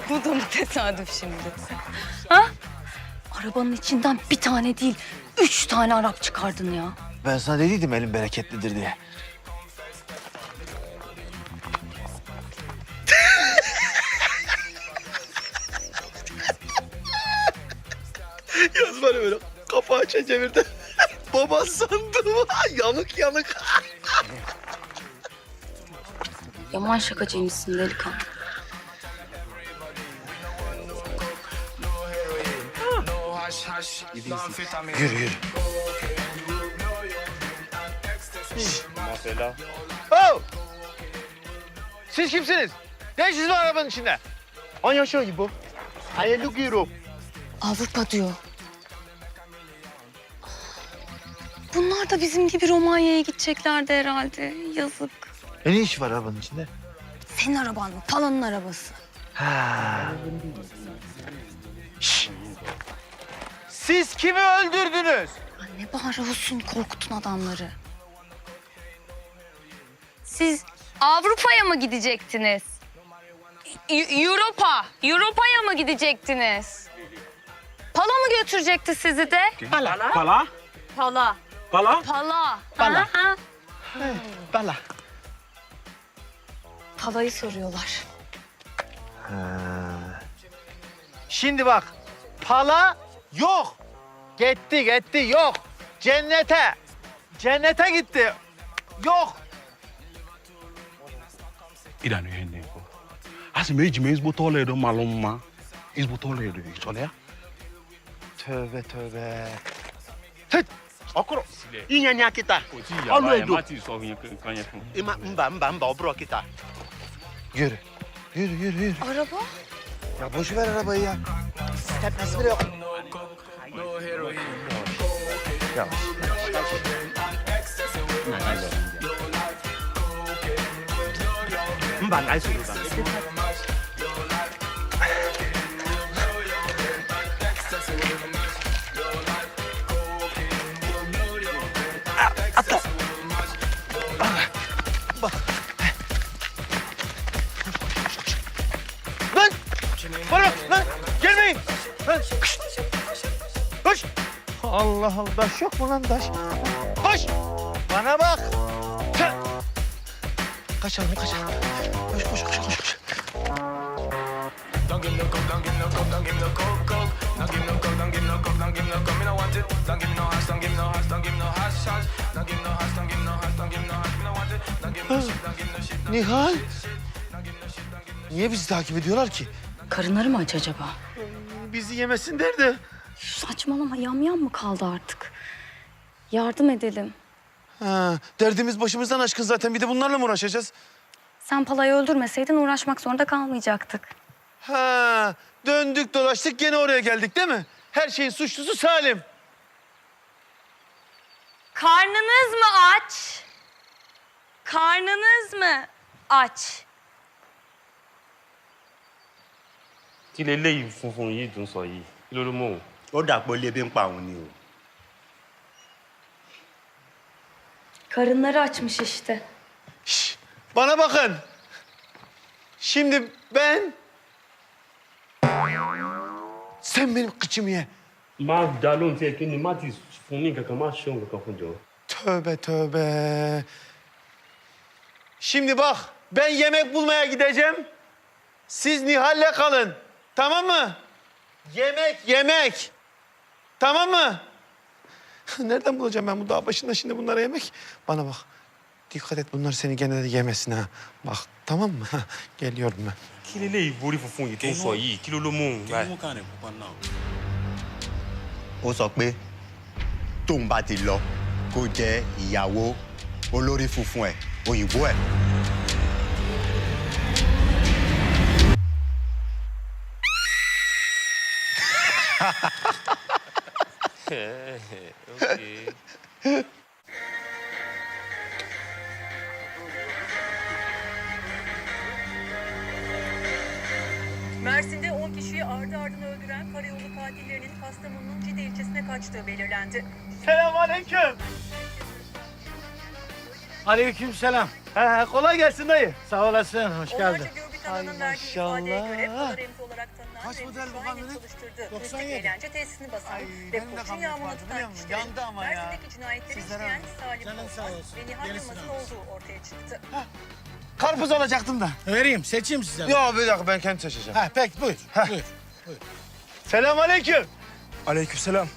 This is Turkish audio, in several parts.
Bu da mı tesadüf şimdi? Ha? Arabanın içinden bir tane değil, 3 tane Arap çıkardın ya. Ben sana dediydim elim bereketlidir diye. Yaz bana böyle kapağı çevirdi. Baba sandım. Yanık yanık. Yaman şakacıymışsın delikanlı. Yürü yürü. Mesela. Oh! Siz kimsiniz? Ne işiniz var arabanın içinde? Anlaşıyor bu. Hayırlı guyuru. Avrupa diyor. Bunlar da bizim gibi Romanya'ya gideceklerdi herhalde. Yazık. Ne işi var arabanın içinde? Senin araban mı? Palanın arabası. Ha. Şşş! Siz kimi öldürdünüz? Ne bağırıyorsun? Korkutun adamları. Siz Avrupa'ya mı gidecektiniz? Europa'ya mı gidecektiniz? Pala mı götürecekti sizi de? Pala? Pala. Pala? Pala. Pala. Ha? Bala. Palayı soruyorlar. Şimdi bak, pala yok. Gitti, yok. Cennete. Cennete gitti. Yok. İran'ı yende ko. Asime ejime ezbo tole do malumma. Ezbo tole do içole ya. Tövbe tövbe. Ọkụrụ inye nya kịta Ọlụ edo. Mati so yin kan ye fun. mba ọ bụrụ kịta Yürü. Yürü. Araba? Ya boş ver arabayı ya. Tepesi bile yok. Yavaş. mba na esoro ba Lan! Bana bak lan! Gelmeyin! Lan! Kışt! Koş! Allah Allah! Taş yok mu lan taş? Koş! Bana bak! Tüh! Kaçalım. Koş. Don't give me no coke, don't give me no coke, don't give me no coke. Don't give me no coke, don't give me no coke, don't give me no coke. Me no want it. Don't give me no hash, don't give me no hash, don't give me no hash. Don't give me no hash, don't give me no hash, don't give me no hash. Me no want it. Don't give me no shit, don't give me no shit. Nihal! Niye bizi takip ediyorlar ki? Karınları mı aç acaba? Bizi yemesin derdi. Saçmalama, yamyam mı kaldı artık? Yardım edelim. Ha, derdimiz başımızdan aşkın zaten. Bir de bunlarla mı uğraşacağız? Sen Pala'yı öldürmeseydin uğraşmak zorunda kalmayacaktık. Ha, döndük dolaştık gene oraya geldik değil mi? Her şeyin suçlusu Salim. Karnınız mı aç? Karnınız mı aç? Kí leléyìí funfun yìí dùn sọ yìí. Kí ló ló mọ̀ o? ó dàpọ̀ ilé bí ń pa òun ni o. Karınları açmış işte. Şş, bana bakın. Şimdi ben... Sen benim kıçımı ye. Má dá lóhùn tí ẹ kí ni má ti fún ní kankan, má ṣe òun kankan fún jọ. Tövbe. Şimdi bak, ben yemek bulmaya gideceğim. Siz Nihal'le kalın. Tamam mı? Yemek. Tamam mı? Nereden bulacağım ben bu dağ başında şimdi bunlara yemek? Bana bak. Dikkat et bunlar seni gene de yemesin ha. Bak tamam mı? Geliyorum ben. Kí leléyìí borí funfun yìí tó ń sọ yìí. Kí ló ló mọ̀ o báyìí? ó sọ pé tóun bá ti lọ kó jẹ́ ìyàwó olórí funfun ẹ̀ òyìnbó ẹ̀. Okay. Mersin'de 10 kişiyi ardı ardına öldüren karayolu katillerinin Kastamonu'nun Cide ilçesine kaçtığı belirlendi. Selamünaleyküm. Aleykümselam. Kolay gelsin dayı. Sağ olasın, hoş Onlarca geldin. görgü Zanlı'nın verdiği ifadeye göre maşallah. Polaroid olarak tanınan Kaç Remzi model bu Şahin'in kamyonet? çalıştırdığı 97. müzik eğlence tesisini basan Ay, ve benim de Koç'un kamyonet yağmurunu vardı, tutan biliyor musun? kişilerin Yandı ama ya. Mersin'deki cinayetleri Sizlere işleyen bak. Salim Canın sağ Korkmaz olsun. ve Nihal Gerisini Yılmaz'ın alsın. olduğu ortaya çıktı. Karpuz alacaktım da. Vereyim, seçeyim size. Yok bir dakika ben kendim seçeceğim. Ha, peki buyur. Buyur. Selamünaleyküm. Aleykümselam.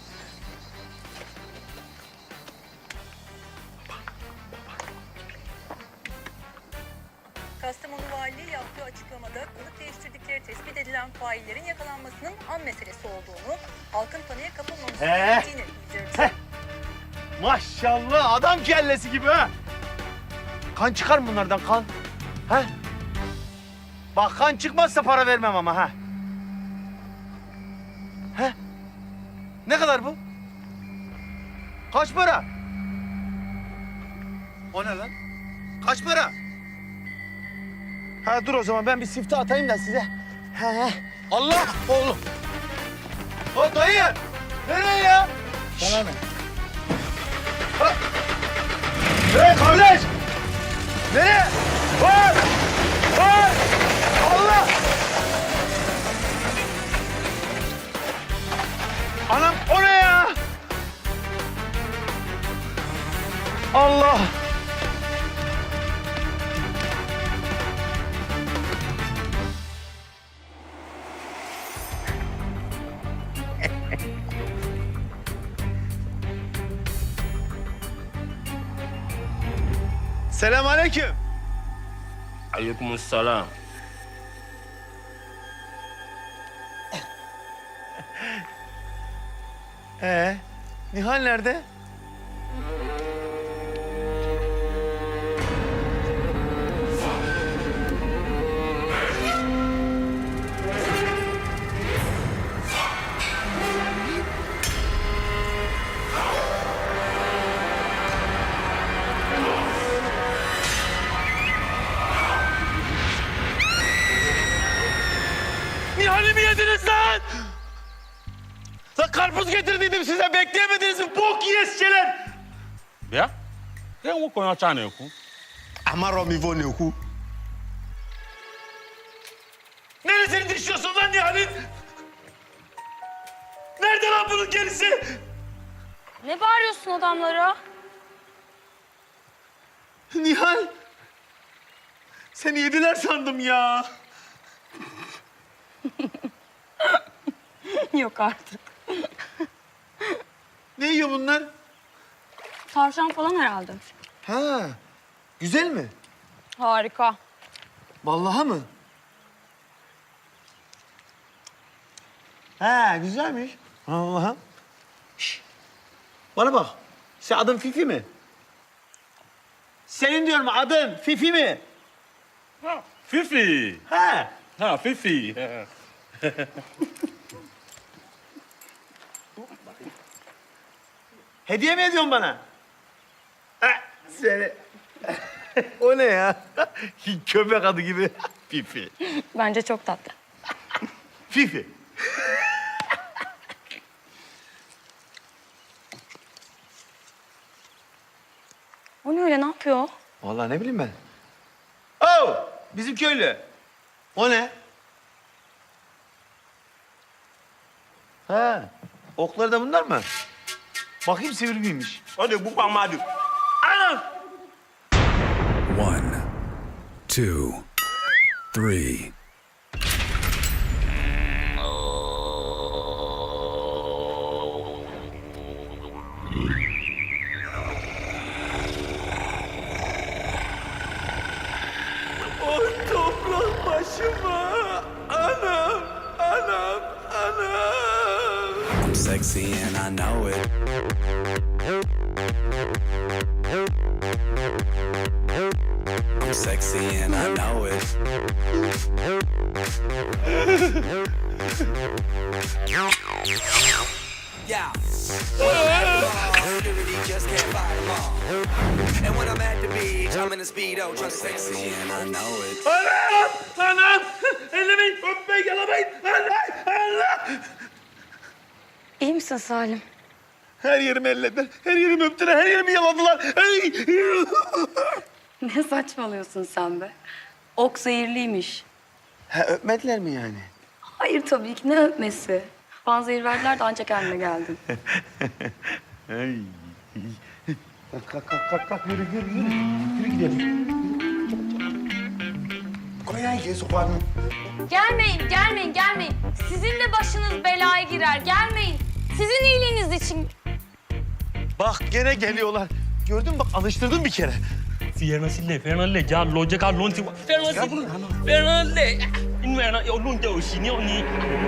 Kastamonu Valiliği yaptığı açıklamada kılık değiştirdikleri tespit edilen faillerin yakalanmasının an meselesi olduğunu, halkın paniğe kapılmaması gerektiğini bildirdi. Maşallah adam kellesi gibi ha. Kan çıkar mı bunlardan kan? Ha? Bak kan çıkmazsa para vermem ama ha. He? Ne kadar bu? Kaç para? O ne lan? Kaç para? Ha dur o zaman ben bir sifte atayım da size. He. Allah oğlum. O dayı. Nereye ya? Sana ne? Hey kardeş! Nereye? Var! Var! Allah! Anam o ne ya? Allah! Selamünaleyküm. Aleykümselam. Nihal nerede? Nihal'i mi yediniz lan? Lan karpuz getirdiydim size bekleyemediniz mi? Bok yiyesçeler. Bia? Ke wo konya cha na ku. Amaro mi vo ne ku. Neresini düşüyorsun lan Nihal'in? Nerede lan bunun gerisi? Ne bağırıyorsun adamlara? Nihal. Seni yediler sandım ya. Yok artık. Ne yiyor bunlar? Tavşan falan herhalde. Ha, güzel mi? Harika. Vallahi mı? Ha, güzelmiş. Allah'ım. Şş, bana bak. Sen adın Fifi mi? Senin diyorum adın Fifi mi? Fifi. Ha. Ha, Fifi. Hediye mi ediyorsun bana? Ha, seni. O ne ya? Köpek adı gibi. Fifi. Bence çok tatlı. Fifi. O ne öyle, ne yapıyor? Vallahi ne bileyim ben. Oh! Bizim köylü. O ne? Ha. Okları da bunlar mı? Bakayım sivri miymiş? O de bu pamadu. Anam! 1, 2, 3. Oy toprak başıma. Anam, anam, anam. I'm sexy and I know it. I'm sexy and I know it. Yeah. Security just can't fight them all. And when I'm at the beach, I'm in a speedo, just sexy and I know it. Anam, anam. Ellemeyin, öpmeyin, yalamayın. Allah, Allah. İyi misin Salim? Her yerimi ellediler, her yerimi öptüler, her yerimi yaladılar. Ay. Ne saçmalıyorsun sen be? Ok zehirliymiş. Ha, öpmediler mi yani? Hayır tabii ki, ne öpmesi. Panzehir verdiler de ancak kendime geldim. Kalk, yürü gidelim. Koy ya, sokağını. Gelmeyin. Sizin de başınız belaya girer. Gelmeyin. Sizin iyiliğiniz için. Bak gene geliyorlar. Gördün mü bak, alıştırdım bir kere. Fernandez, ya loca lon ti. Fernandez. İnmeyene yolun da o şini oni.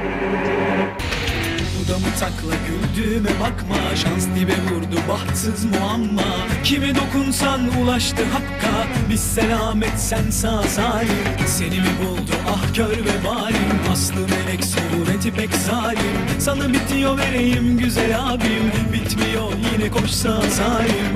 Dudamı takla güldüğüme bakma. Şans dibe vurdu bahtsız muamma. Kime dokunsan ulaştı hakka. Biz selamet sen sağ salim. Seni mi buldu ah kör ve valim. Aslı melek sureti pek zalim. Sana bitiyor vereyim güzel abim. Bitmiyor yine koşsa salim.